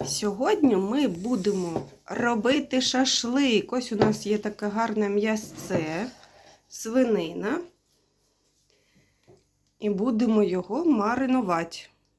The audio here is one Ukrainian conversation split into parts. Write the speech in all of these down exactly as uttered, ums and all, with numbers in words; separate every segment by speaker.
Speaker 1: Сьогодні ми будемо робити шашлик. Ось у нас є таке гарне м'ясце, свинина. І будемо його маринувати.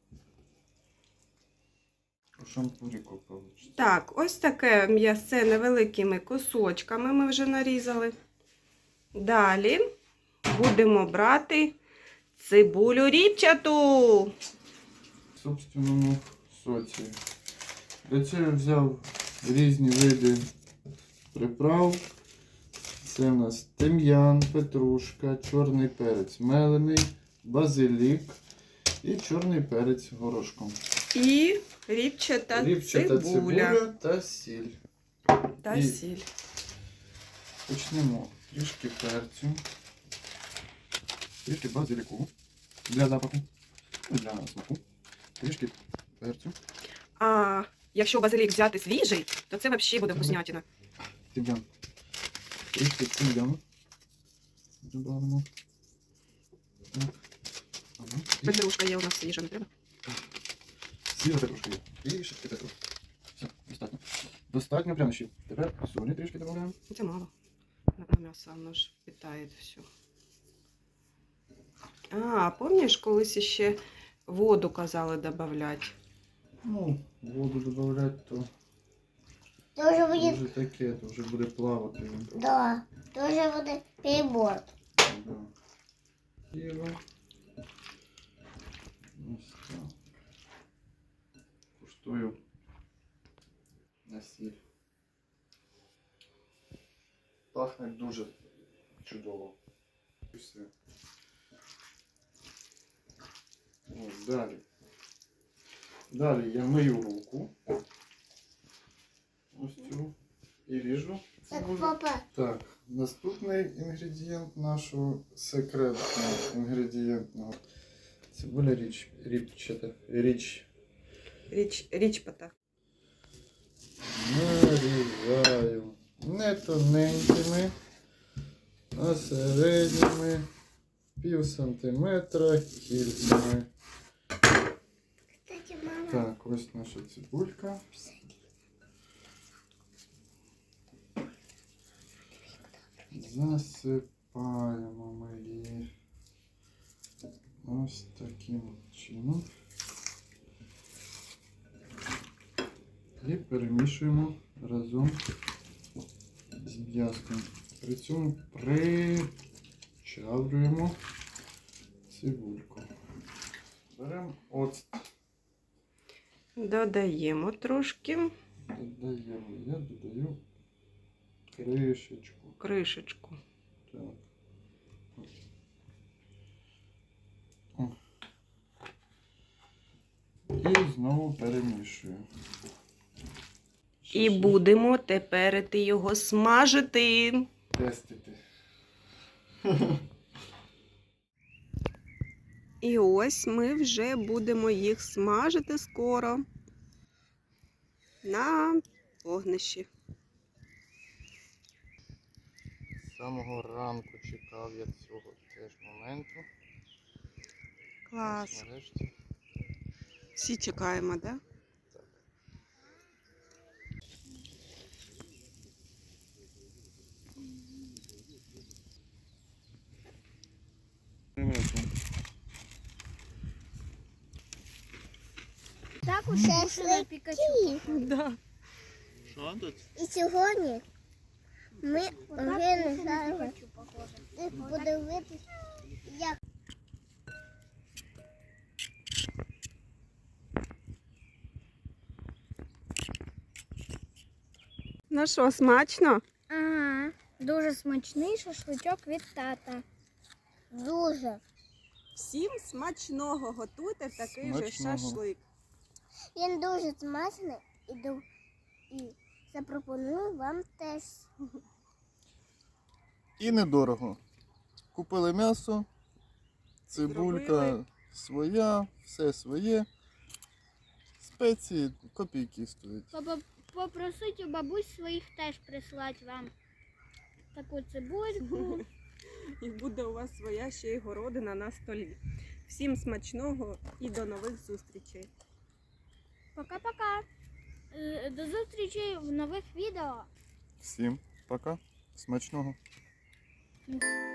Speaker 2: Шампуріку вийде.
Speaker 1: Так, ось таке м'ясце невеликими кусочками ми вже нарізали. Далі будемо брати цибулю ріпчату.
Speaker 2: В собственному соці. Для цього взяв різні види приправ. Це у нас тим'ян, петрушка, чорний перець мелений, базилік і чорний перець горошком.
Speaker 1: І ріпчата,
Speaker 2: Ріпчата
Speaker 1: цибуля.
Speaker 2: цибуля та сіль.
Speaker 1: Та
Speaker 2: І
Speaker 1: сіль.
Speaker 2: почнемо трішки перцю, трішки базиліку для запаху, для смаку, трішки перцю.
Speaker 1: А якщо базилік взяти свіжий, то це взагалі буде вкуснятина.
Speaker 2: Тим'ян. Трішки тим'яну. Добавимо. Так. Ага. І
Speaker 1: Петрушка є у нас свіжа, не треба?
Speaker 2: свіжа петрушка є. І трішки петрушки. Все, достатньо. Достатньо прямо ще. Тепер солі трішки додаємо.
Speaker 1: Це мало. На м'ясо воно ж питає все. А, пам'ятаєш, колись ще воду казали додавати?
Speaker 2: Ну, воду додавати, то
Speaker 3: Тоже будет,
Speaker 2: вже таке, то вже буде плавати він.
Speaker 3: да, тоже будет перебор.
Speaker 2: Да. Тіло. Ось так. Куштую на сіль. Пахне дуже чудово. І все. Ось, далі. Далі я мию руку. Ось цю. І ріжу.
Speaker 3: Так,
Speaker 2: цибулю.
Speaker 3: папа,
Speaker 2: Так, наступний інгредієнт нашого секретного інгредієнтного. Цибуля річ, річчата, річ.
Speaker 1: Річ, річпата.
Speaker 2: Нарізаю не тоненькими, а середніми, пів сантиметра кільцями.
Speaker 3: кстати, мама,
Speaker 2: Так, ось наша цибулька. Засипаємо ми її ось таким чином. І перемішуємо разом з м'яском. При цьому причавлюємо цибульку. Беремо оцет.
Speaker 1: Додаємо трошки
Speaker 2: Додаємо. Я додаю кришечку.
Speaker 1: кришечку.
Speaker 2: Так. О. І знову перемішую.
Speaker 1: І будемо тепер його смажити.
Speaker 2: Тестити.
Speaker 1: І ось ми вже будемо їх смажити скоро на вогнищі.
Speaker 2: З самого ранку чекав я цього теж моменту.
Speaker 1: Клас.
Speaker 2: Ось нарешті.
Speaker 1: Всі чекаємо, так? Да?
Speaker 2: Так.
Speaker 3: так у шашлики.
Speaker 1: Да.
Speaker 2: Що тут?
Speaker 3: І сьогодні ми вже не знаємо, подивитися, як
Speaker 1: Ну що, смачно?
Speaker 4: Ага, дуже смачний шашличок від тата.
Speaker 3: дуже.
Speaker 1: Всім смачного, готуйте такий же
Speaker 2: Смачного.
Speaker 1: шашлик.
Speaker 3: Він дуже смачний і, ду- і запропоную вам теж.
Speaker 2: І недорого. Купили м'ясо, цибулька
Speaker 1: Зробили.
Speaker 2: своя, все своє. Спеції копійки стоять.
Speaker 4: Папа, попросить у бабусь своїх теж прислати вам таку цибульку.
Speaker 1: І буде у вас своя ще й городина на столі. Всім смачного і до нових зустрічей!
Speaker 4: Пока-пока. Е, До зустрічі в нових відео.
Speaker 2: Всім пока. Смачного.
Speaker 4: М.